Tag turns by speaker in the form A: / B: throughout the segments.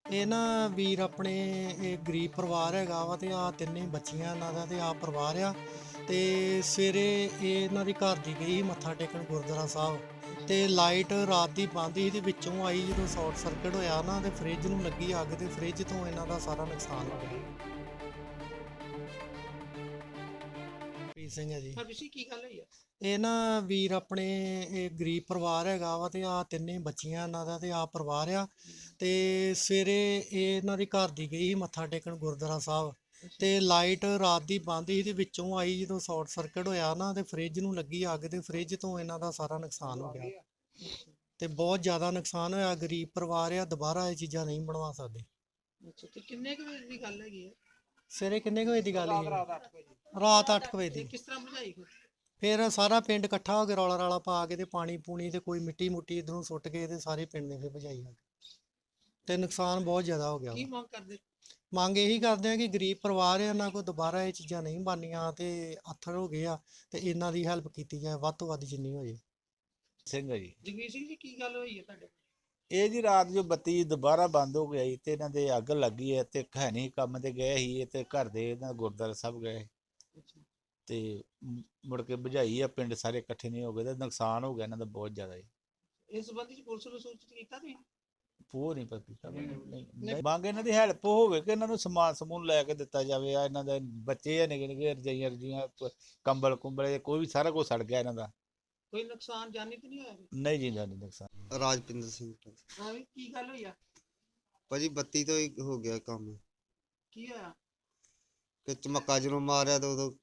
A: ਇਹ ਨਾ ਵੀਰ ਆਪਣੇ ਇਹ ਗਰੀਬ ਪਰਿਵਾਰ ਹੈਗਾ ਵਾ ਤੇ ਆ ਤਿੰਨੇ ਬੱਚੀਆਂ ਇਹਨਾਂ ਦਾ ਤੇ ਆ ਪਰਿਵਾਰ ਆ। ਤੇ ਸਵੇਰੇ ਇਹ ਇਹਨਾਂ ਦੀ ਘਰ ਦੀ ਗਈ ਮੱਥਾ ਟੇਕਣ ਗੁਰਦੁਆਰਾ ਸਾਹਿਬ ਤੇ ਲਾਈਟ ਰਾਤ ਦੀ ਬੰਦ ਸੀ ਤੇ ਵਿੱਚੋਂ ਆਈ ਜਦੋਂ ਸ਼ਾਰਟ ਸਰਕਟ ਹੋਇਆ ਨਾ ਤੇ ਫ੍ਰਿਜ ਨੂੰ ਲੱਗੀ ਅੱਗ ਤੇ ਫ੍ਰਿਜ ਤੋਂ ਇਹਨਾਂ ਦਾ ਸਾਰਾ ਨੁਕਸਾਨ ਹੋ ਗਿਆ। ਪ੍ਰੀਤ ਸਿੰਘ ਹੈ ਜੀ।
B: ਸਰਵਿਸੀ ਕੀ ਗੱਲ ਹੋਈ ਆ?
A: ਇਹ ਨਾ ਵੀਰ ਆਪਣੇ ਇਹ ਗਰੀਬ ਪਰਿਵਾਰ ਹੈਗਾ ਵਾ ਤੇ ਆ ਤਿੰਨੇ ਬੱਚੀਆਂ ਇਹਨਾਂ ਦਾ ਤੇ ਆ ਪਰਿਵਾਰ ਆ। ਤੇ ਸਵੇਰੇ ਇਹ ਇਹਨਾਂ ਦੀ ਘਰ ਦੀ ਗਈ ਮੱਥਾ ਟੇਕਣ ਗੁਰਦੁਆਰਾ ਸਾਹਿਬ ਤੇ ਲਾਈਟ ਰਾਤ ਦੀ ਬੰਦ ਸੀ ਤੇ ਵਿੱਚੋਂ ਆਈ ਜਦੋਂ ਸ਼ਾਰਟ ਸਰਕਟ ਹੋਇਆ ਨਾ ਤੇ ਫ੍ਰਿਜ ਨੂੰ ਲੱਗੀ ਅੱਗ ਤੇ ਫ੍ਰਿਜ ਤੋਂ ਇਹਨਾਂ ਦਾ ਸਾਰਾ ਨੁਕਸਾਨ ਹੋ ਗਿਆ ਤੇ ਬਹੁਤ ਜ਼ਿਆਦਾ ਨੁਕਸਾਨ ਹੋਇਆ। ਗਰੀਬ ਪਰਿਵਾਰ ਆ, ਦੁਬਾਰਾ ਇਹ ਚੀਜ਼ਾਂ ਨਹੀਂ ਬਣਵਾ ਸਕਦੇ।
B: ਅੱਛਾ, ਤੇ ਕਿੰਨੇ ਕੁ ਵਜੇ ਦੀ ਗੱਲ ਹੈਗੀ ਆ?
A: ਸਵੇਰੇ ਕਿੰਨੇ ਕੁ ਵਜੇ ਦੀ ਗੱਲ ਹੈ?
B: ਰਾਤ 8 ਵਜੇ।
A: ਰਾਤ 8 ਵਜੇ
B: ਤੇ
A: ਦੀ।
B: ਕਿਸ ਤਰ੍ਹਾਂ ਬੁਝਾਈ ਫਿਰ?
A: ਫਿਰ ਸਾਰਾ ਪਿੰਡ ਇਕੱਠਾ ਹੋ ਕੇ ਰੌਲਾ ਰਾਲਾ ਪਾ ਕੇ ਤੇ ਪਾਣੀ ਪੂਣੀ ਤੇ ਕੋਈ ਮਿੱਟੀ ਮੁੱਟੀ ਇਧਰੋਂ ਸੁੱਟ ਕੇ ਤੇ ਸਾਰੇ ਪਿੰਡ ਨੇ ਫਿਰ ਭਜਾਈ ਅੱਗ ਤੇ ਨੁਕਸਾਨ ਬਹੁਤ ਜ਼ਿਆਦਾ ਹੋ ਗਿਆ
B: ਕੀ
A: ਵਾ।
B: ਮੰਗ ਕਰਦੇ?
A: ਮੰਗ ਇਹੀ ਕਰਦੇ ਆ ਕਿ ਗਰੀਬ ਪਰਿਵਾਰ ਆ, ਇਹਨਾਂ ਕੋਲ ਦੁਬਾਰਾ ਇਹ ਚੀਜ਼ਾਂ ਨਹੀਂ ਬਣਨੀਆਂ ਤੇ ਆਥਰ ਹੋ ਗਏ ਆ ਤੇ ਇਹਨਾਂ ਦੀ ਹੈਲਪ ਕੀਤੀ ਜਾਏ ਵੱਧ ਤੋਂ ਵੱਧ ਜਿੰਨੀ ਹੋ ਜੇ।
C: ਸਿੰਘ ਹੈ ਜੀ।
B: ਜਗਵੀਰ ਸਿੰਘ ਜੀ, ਕੀ ਗੱਲ ਹੋਈ ਹੈ ਤੁਹਾਡੇ?
C: ਇਹ ਜੀ ਰਾਤ ਜੋ ਬੱਤੀ ਦੁਬਾਰਾ ਬੰਦ ਹੋ ਗਈ ਤੇ ਇਹਨਾਂ ਦੇ ਅੱਗ ਲੱਗੀ ਹੈ ਤੇ ਖੈਣੀ ਕੰਮ ਤੇ ਗਏ ਸੀ ਤੇ ਘਰ ਦੇ ਇਹਨਾਂ ਗੁਰਦੁਆਰਾ ਸਾਹਿਬ ਗਏ
B: ਅੱਛਾ,
C: ਤੇ ਮੁੜ ਕੇ ਬੁਝਾਈ ਆ, ਪਿੰਡ ਸਾਰੇ ਇਕੱਠੇ ਨਹੀਂ ਹੋ ਗਏ ਤੇ ਨੁਕਸਾਨ ਹੋ ਗਿਆ ਇਹਨਾਂ ਦਾ ਬਹੁਤ ਜ਼ਿਆਦਾ ਜੀ।
B: ਇਸ ਸੰਬੰਧੀ ਚ ਪੁਲਿਸ ਨੂੰ ਸੂਚਿਤ ਕੀਤਾ ਤੁਸੀਂ?
C: ਪੂਰ ਨਹੀਂ ਪਤਾ ਕੀਤਾ ਨਹੀਂ ਮੰਗ ਇਹਨਾਂ ਦੀ ਹੈਲਪ ਹੋਵੇ ਕਿ ਇਹਨਾਂ ਨੂੰ ਸਮਾਨ ਸਮੂਨ ਲੈ ਕੇ ਦਿੱਤਾ ਜਾਵੇ। ਆ ਇਹਨਾਂ ਦੇ ਬੱਚੇ ਆ ਨਿੱਕੇ ਨਿੱਕੇ, ਰਜਾਈਆਂ ਰਜੀਆਂ ਕੰਬਲ ਕੁੰਬਲੇ ਕੋਈ ਵੀ ਸਾਰਾ ਕੁਝ ਸੜ ਗਿਆ ਇਹਨਾਂ ਦਾ।
B: ਕੋਈ ਨੁਕਸਾਨ ਜਾਨੀ ਤੇ ਨਹੀਂ ਹੋਇਆ?
C: ਨਹੀਂ ਜੀ ਨਹੀਂ ਨੁਕਸਾਨ।
D: ਰਾਜਪਿੰਦਰ ਸਿੰਘ ਤੋਂ।
B: ਹਾਂ ਵੀ ਕੀ ਗੱਲ ਹੋਈ ਆ?
D: ਭਾਜੀ ਬੱਤੀ ਤੋਂ ਹੀ ਹੋ ਗਿਆ ਕੰਮ
B: ਕੀ ਹੋਇਆ?
D: ਕਿ ਚਮੱਕਾ ਜਦੋਂ ਮਾਰਿਆ ਤਾਂ ਉਦੋਂ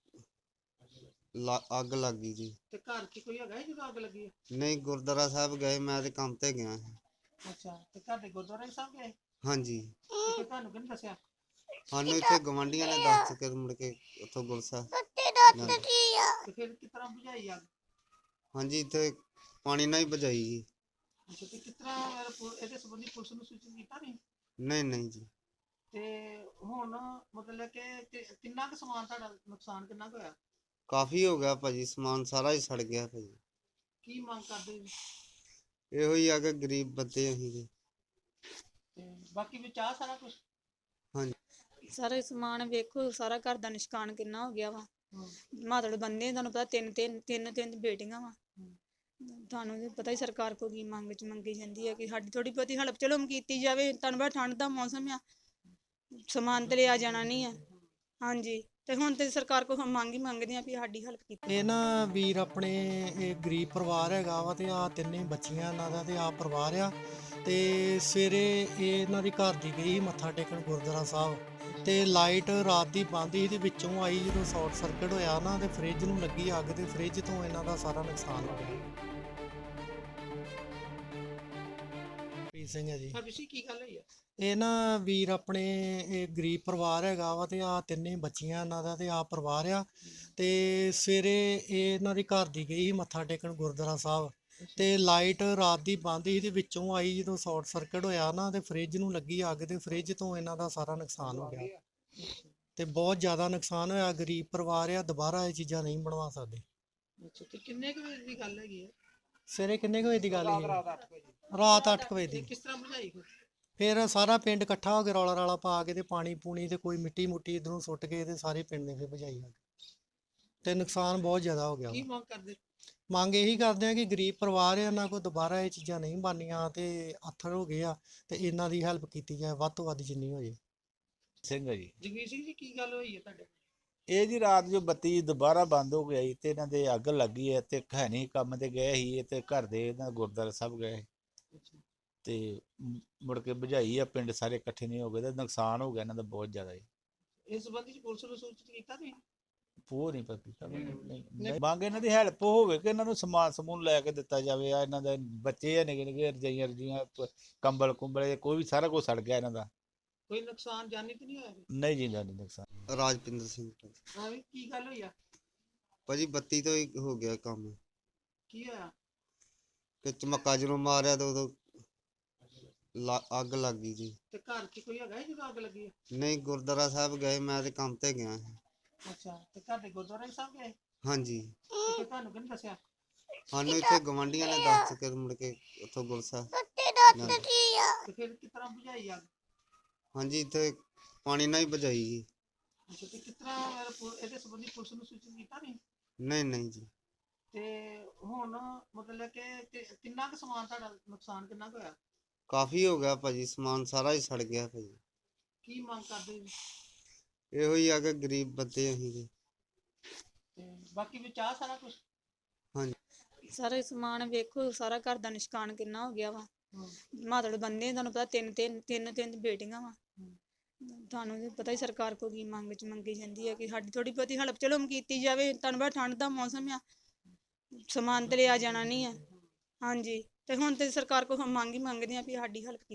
D: ਅੱਗ ਲੱਗ ਗਈ ਜੀ।
B: ਤੇ ਘਰ 'ਚ ਕੋਈ ਹੈਗਾ ਸੀ ਜਦੋਂ ਅੱਗ ਲੱਗੀ ਆ?
D: ਨਹੀਂ, ਗੁਰਦੁਆਰਾ ਸਾਹਿਬ ਗਏ, ਮੈਂ ਤੇ ਕੰਮ ਤੇ ਗਿਆ ਸੀ।
B: ਅੱਛਾ, ਤੇ ਘਰ ਦੇ ਗੁਰਦੁਆਰੇ ਸਾਹਿਬ ਗਏ
D: ਹਾਂਜੀ,
B: ਤੇ ਫਿਰ ਤੁਹਾਨੂੰ ਕਿਹਨੇ ਦੱਸਿਆ?
D: ਸਾਨੂੰ ਇੱਥੇ ਗਵਾਂਢੀਆਂ ਨੇ ਦੱਸ ਕੇ ਮੁੜ ਕੇ ਉੱਥੋਂ ਗੁਰਸਾ।
B: ਤੇ ਫਿਰ ਕਿਸ ਤਰ੍ਹਾਂ ਬੁਝਾਈ ਅੱਗ?
D: ਹਾਂਜੀ, ਇੱਥੇ ਪਾਣੀ ਨਾਲ ਹੀ ਬੁਝਾਈ ਜੀ।
B: ਅੱਛਾ, ਤੇ ਕਿਸ ਤਰ੍ਹਾਂ ਇਹਦੇ ਸੰਬੰਧੀ ਪੁਲਿਸ ਨੂੰ ਸੂਚਿਤ ਕੀਤਾ ਨਹੀਂ?
D: ਨਹੀਂ ਜੀ।
B: ਤੇ ਹੁਣ ਮਤਲਬ ਕਿ ਕਿੰਨਾ ਕੁ ਸਮਾਨ ਤੁਹਾਡਾ ਨੁਕਸਾਨ ਕਿੰਨਾ ਕੁ ਹੋਇਆ?
D: ਕਾਫੀ ਹੋ ਗਿਆ ਭਾਜੀ, ਸਮਾਨ ਸਾਰਾ ਹੀ ਸੜ ਗਿਆ ਭਾਜੀ।
B: ਕੀ ਮੰਗ ਕਰਦੇ ਜੀ?
D: ਇਹੋ ਹੀ ਆ ਕਿ ਗਰੀਬ ਬੰਦੇ ਅਸੀਂ ਜੀ।
B: ਤੇ ਬਾਕੀ ਵਿੱਚ ਆ ਸਾਰਾ ਕੁਝ?
D: ਹਾਂਜੀ।
E: ਸਾਰਾ ਸਮਾਨ ਵੇਖੋ, ਸਾਰਾ ਘਰ ਦਾ ਨਿਸ਼ਕਾਨ ਕਿੰਨਾ ਹੋ ਗਿਆ ਵਾ। ਮਾਤੜ ਬੰਦੇ ਤੁਹਾਨੂੰ ਪਤਾ ਤਿੰਨ ਬੇਟੀਆਂ ਵਾ। ਤੁਹਾਨੂੰ ਵੀ ਪਤਾ ਹੀ ਸਰਕਾਰ ਕੋਲ ਕੀ ਮੰਗੀ ਜਾਂਦੀ ਹੈ ਕਿ ਸਾਡੀ ਥੋੜੀ ਬਹੁਤੀ ਹੈਲਪ ਚਲੋ ਕੀਤੀ ਜਾਵੇ। ਤੁਹਾਨੂੰ ਪਤਾ ਠੰਡ ਦਾ ਮੌਸਮ ਆ, ਸਮਾਨ ਤੇ ਲਿਆ ਜਾਣਾ ਨਹੀਂ ਆ। ਹਾਂਜੀ, ਤੇ ਹੁਣ ਤੇ ਸਰਕਾਰ ਕੋਲ ਮੰਗ ਹੀ ਮੰਗਦੇ ਆ ਵੀ ਸਾਡੀ ਹੈਲਪ ਕੀਤੀ।
A: ਇਹ ਨਾ ਵੀਰ ਆਪਣੇ ਇਹ ਗਰੀਬ ਪਰਿਵਾਰ ਹੈਗਾ ਵਾ ਤੇ ਆ ਤਿੰਨੇ ਬੱਚੀਆਂ ਇਹਨਾਂ ਦਾ ਤੇ ਆ ਪਰਿਵਾਰ ਆ। ਤੇ ਸਵੇਰੇ ਇਹ ਇਹਨਾਂ ਦੀ ਘਰ ਦੀ ਗਈ ਮੱਥਾ ਟੇਕਣ ਗੁਰਦੁਆਰਾ ਸਾਹਿਬ ਤੇ ਲਾਈਟ ਰਾਤ ਦੀ ਬੰਦ ਸੀ ਤੇ ਵਿੱਚੋਂ ਆਈ ਜਦੋਂ ਸ਼ਾਰਟ ਸਰਕਟ ਹੋਇਆ ਨਾ ਤੇ ਫ੍ਰਿਜ ਨੂੰ ਲੱਗੀ ਅੱਗ ਤੇ ਫ੍ਰਿਜ ਤੋਂ ਇਹਨਾਂ ਦਾ ਸਾਰਾ ਨੁਕਸਾਨ ਹੋ ਗਿਆ। ਪ੍ਰੀਤ ਸਿੰਘ ਹੈ ਜੀ।
B: ਸਰਵਿਸੀ ਕੀ ਗੱਲ ਹੋਈ ਆ?
A: ਇਹ ਨਾ ਵੀਰ ਆਪਣੇ ਇਹ ਗਰੀਬ ਪਰਿਵਾਰ ਹੈਗਾ ਵਾ ਤੇ ਆ ਤਿੰਨੇ ਬੱਚੀਆਂ ਇਹਨਾਂ ਦਾ ਤੇ ਆ ਪਰਿਵਾਰ ਆ। ਤੇ ਸਵੇਰੇ ਇਹ ਇਹਨਾਂ ਦੀ ਘਰ ਦੀ ਗਈ ਮੱਥਾ ਟੇਕਣ ਗੁਰਦੁਆਰਾ ਸਾਹਿਬ ਤੇ ਲਾਈਟ ਰਾਤ ਦੀ ਬੰਦ ਸੀ ਤੇ ਵਿੱਚੋਂ ਆਈ ਜਦੋਂ ਸ਼ਾਰਟ ਸਰਕਟ ਹੋਇਆ ਨਾ ਤੇ ਫ੍ਰਿਜ ਨੂੰ ਲੱਗੀ ਅੱਗ ਤੇ ਫ੍ਰਿਜ ਤੋਂ ਇਹਨਾਂ ਦਾ ਸਾਰਾ ਨੁਕਸਾਨ ਹੋ ਗਿਆ ਤੇ ਬਹੁਤ ਜ਼ਿਆਦਾ ਨੁਕਸਾਨ ਹੋਇਆ। ਗਰੀਬ ਪਰਿਵਾਰ ਆ, ਦੁਬਾਰਾ ਇਹ ਚੀਜ਼ਾਂ ਨਹੀਂ ਬਣਵਾ ਸਕਦੇ।
B: ਅੱਛਾ, ਤੇ ਕਿੰਨੇ ਕੁ ਵਜੇ ਦੀ ਗੱਲ ਹੈਗੀ ਆ?
A: ਸਵੇਰੇ ਕਿੰਨੇ ਕੁ ਵਜੇ ਦੀ ਗੱਲ ਹੈ?
B: ਰਾਤ 8 ਵਜੇ।
A: ਰਾਤ 8 ਵਜੇ
B: ਤੇ
A: ਦੀ।
B: ਕਿਸ ਤਰ੍ਹਾਂ ਬੁਝਾਈ ਫਿਰ?
A: ਫਿਰ ਸਾਰਾ ਪਿੰਡ ਇਕੱਠਾ ਹੋ ਕੇ ਰੌਲਾ ਰਾਲਾ ਪਾ ਕੇ ਤੇ ਪਾਣੀ ਪੂਣੀ ਤੇ ਕੋਈ ਮਿੱਟੀ ਮੁੱਟੀ ਇਧਰੋਂ ਸੁੱਟ ਕੇ ਤੇ ਸਾਰੇ ਪਿੰਡ ਨੇ ਫਿਰ ਭਜਾਈ ਅੱਗ ਤੇ ਨੁਕਸਾਨ ਬਹੁਤ ਜ਼ਿਆਦਾ ਹੋ ਗਿਆ
B: ਕੀ
A: ਵਾ।
B: ਮੰਗ ਕਰਦੇ?
A: ਮੰਗ ਇਹੀ ਕਰਦੇ ਆ ਕਿ ਗਰੀਬ ਪਰਿਵਾਰ ਆ, ਇਹਨਾਂ ਕੋਲ ਦੁਬਾਰਾ ਇਹ ਚੀਜ਼ਾਂ ਨਹੀਂ ਬਣਨੀਆਂ ਤੇ ਆਥਰ ਹੋ ਗਏ ਆ ਤੇ ਇਹਨਾਂ ਦੀ ਹੈਲਪ ਕੀਤੀ ਜਾਏ ਵੱਧ ਤੋਂ ਵੱਧ ਜਿੰਨੀ ਹੋ ਜੇ।
C: ਸਿੰਘ ਹੈ ਜੀ।
B: ਜਗਵੀਰ ਸਿੰਘ ਜੀ, ਕੀ ਗੱਲ ਹੋਈ ਹੈ ਤੁਹਾਡੇ?
C: ਇਹ ਜੀ ਰਾਤ ਜੋ ਬੱਤੀ ਦੁਬਾਰਾ ਬੰਦ ਹੋ ਗਈ ਤੇ ਇਹਨਾਂ ਦੇ ਅੱਗ ਲੱਗੀ ਹੈ ਤੇ ਖੈਣੀ ਕੰਮ ਤੇ ਗਏ ਸੀ ਤੇ ਘਰ ਦੇ ਇਹਨਾਂ ਗੁਰਦੁਆਰਾ ਸਾਹਿਬ ਗਏ
B: ਅੱਛਾ,
C: ਤੇ ਮੁੜ ਕੇ ਬੁਝਾਈ ਆ, ਪਿੰਡ ਸਾਰੇ ਇਕੱਠੇ ਨਹੀਂ ਹੋ ਗਏ ਤੇ ਨੁਕਸਾਨ ਹੋ ਗਿਆ ਇਹਨਾਂ ਦਾ ਬਹੁਤ ਜ਼ਿਆਦਾ ਜੀ।
B: ਇਸ ਸੰਬੰਧੀ ਚ ਪੁਲਿਸ ਨੂੰ ਸੂਚਿਤ ਕੀਤਾ ਤੁਸੀਂ?
C: ਪੂਰ ਨਹੀਂ ਪਤਾ ਕੀਤਾ ਨਹੀਂ ਮੰਗ ਇਹਨਾਂ ਦੀ ਹੈਲਪ ਹੋਵੇ ਕਿ ਇਹਨਾਂ ਨੂੰ ਸਮਾਨ ਸਮੂਨ ਲੈ ਕੇ ਦਿੱਤਾ ਜਾਵੇ। ਆ ਇਹਨਾਂ ਦੇ ਬੱਚੇ ਆ ਨਿੱਕੇ ਨਿੱਕੇ, ਰਜਾਈਆਂ ਰਜੀਆਂ ਕੰਬਲ ਕੁੰਬਲੇ ਕੋਈ ਵੀ ਸਾਰਾ ਕੁਝ ਸੜ ਗਿਆ ਇਹਨਾਂ ਦਾ।
B: ਕੋਈ ਨੁਕਸਾਨ ਜਾਨੀ ਤੇ ਨਹੀਂ ਹੋਇਆ?
C: ਨਹੀਂ ਜੀ ਨਹੀਂ ਨੁਕਸਾਨ।
D: ਰਾਜਪਿੰਦਰ ਸਿੰਘ ਤੋਂ।
B: ਹਾਂ ਵੀ ਕੀ ਗੱਲ ਹੋਈ ਆ?
D: ਭਾਜੀ ਬੱਤੀ ਤੋਂ ਹੀ ਹੋ ਗਿਆ ਕੰਮ
B: ਕੀ ਹੋਇਆ?
D: ਕਿ ਚਮੱਕਾ ਜਦੋਂ ਮਾਰਿਆ ਤਾਂ ਉਦੋਂ ਅੱਗ ਲੱਗ ਗਈ ਜੀ।
B: ਤੇ ਘਰ 'ਚ ਕੋਈ ਹੈਗਾ ਸੀ ਜਦੋਂ ਅੱਗ ਲੱਗੀ ਆ?
D: ਨਹੀਂ, ਗੁਰਦੁਆਰਾ ਸਾਹਿਬ ਗਏ, ਮੈਂ ਤੇ ਕੰਮ ਤੇ ਗਿਆ ਸੀ।
B: ਅੱਛਾ, ਤੇ ਘਰ ਦੇ ਗੁਰਦੁਆਰੇ ਸਾਹਿਬ ਗਏ
D: ਹਾਂਜੀ,
B: ਤੇ ਫਿਰ ਤੁਹਾਨੂੰ ਕਿਹਨੇ ਦੱਸਿਆ?
D: ਸਾਨੂੰ ਇੱਥੇ ਗਵਾਂਢੀਆਂ ਨੇ ਦੱਸ ਕੇ ਮੁੜ ਕੇ ਉੱਥੋਂ ਗੁਰਸਾ।
B: ਤੇ ਫਿਰ ਕਿਸ ਤਰ੍ਹਾਂ ਬੁਝਾਈ ਅੱਗ?
D: ਹਾਂਜੀ ਇੱਥੇ ਪਾਣੀ ਨਾਲ ਹੀ ਭਜਾਈ ਜੀ।
B: ਅੱਛਾ ਤੇ ਕਿਸ ਤਰ੍ਹਾਂ ਇਹਦੇ ਸੰਬੰਧੀ ਪੁਲਿਸ ਨੂੰ ਸੂਚਿਤ ਕੀਤਾ ਨਹੀਂ?
D: ਨਹੀਂ ਜੀ।
B: ਤੇ ਹੁਣ ਮਤਲਬ ਕਿ ਕਿੰਨਾ ਕੁ ਸਮਾਨ ਤੁਹਾਡਾ ਨੁਕਸਾਨ ਕਿੰਨਾ ਕੁ ਹੋਇਆ?
D: ਕਾਫੀ ਹੋ ਗਿਆ ਭਾਜੀ, ਸਮਾਨ ਸਾਰਾ ਹੀ ਸੜ ਗਿਆ ਭਾਜੀ।
B: ਕੀ ਮੰਗ ਕਰਦੇ ਜੀ?
D: ਇਹੋ ਹੀ ਆ ਕਿ ਗਰੀਬ ਬੰਦੇ ਅਸੀਂ ਤੇ।
B: ਤੇ ਬਾਕੀ ਵਿੱਚ ਆ ਸਾਰਾ ਕੁਝ?
E: ਸਾਰਾ ਸਮਾਨ ਵੇਖੋ, ਸਾਰਾ ਘਰ ਦਾ ਨਿਸ਼ਕਾਨ ਕਿੰਨਾ ਹੋ ਗਿਆ ਵਾ। ਮਾਤੜ ਬੰਦੇ ਤੁਹਾਨੂੰ ਪਤਾ ਤਿੰਨ ਬੇਟੀਆਂ ਵਾ। ਤੁਹਾਨੂੰ ਤੇ ਪਤਾ ਹੀ ਸਰਕਾਰ ਕੋਲ ਕੀ ਮੰਗੀ ਜਾਂਦੀ ਹੈ ਕਿ ਸਾਡੀ ਥੋੜੀ ਬਹੁਤੀ ਹੈਲਪ ਚਲੋ ਕੀਤੀ ਜਾਵੇ। ਤੁਹਾਨੂੰ ਪਤਾ ਠੰਡ ਦਾ ਮੌਸਮ ਆ, ਸਮਾਨ ਤੇ ਲਿਆ ਜਾਣਾ ਨਹੀਂ ਆ। ਹਾਂਜੀ ਤੇ ਹੁਣ ਤੇ ਸਰਕਾਰ ਕੋਲ ਮੰਗ ਹੀ ਮੰਗਦੇ ਆ ਵੀ ਸਾਡੀ ਹੈਲਪ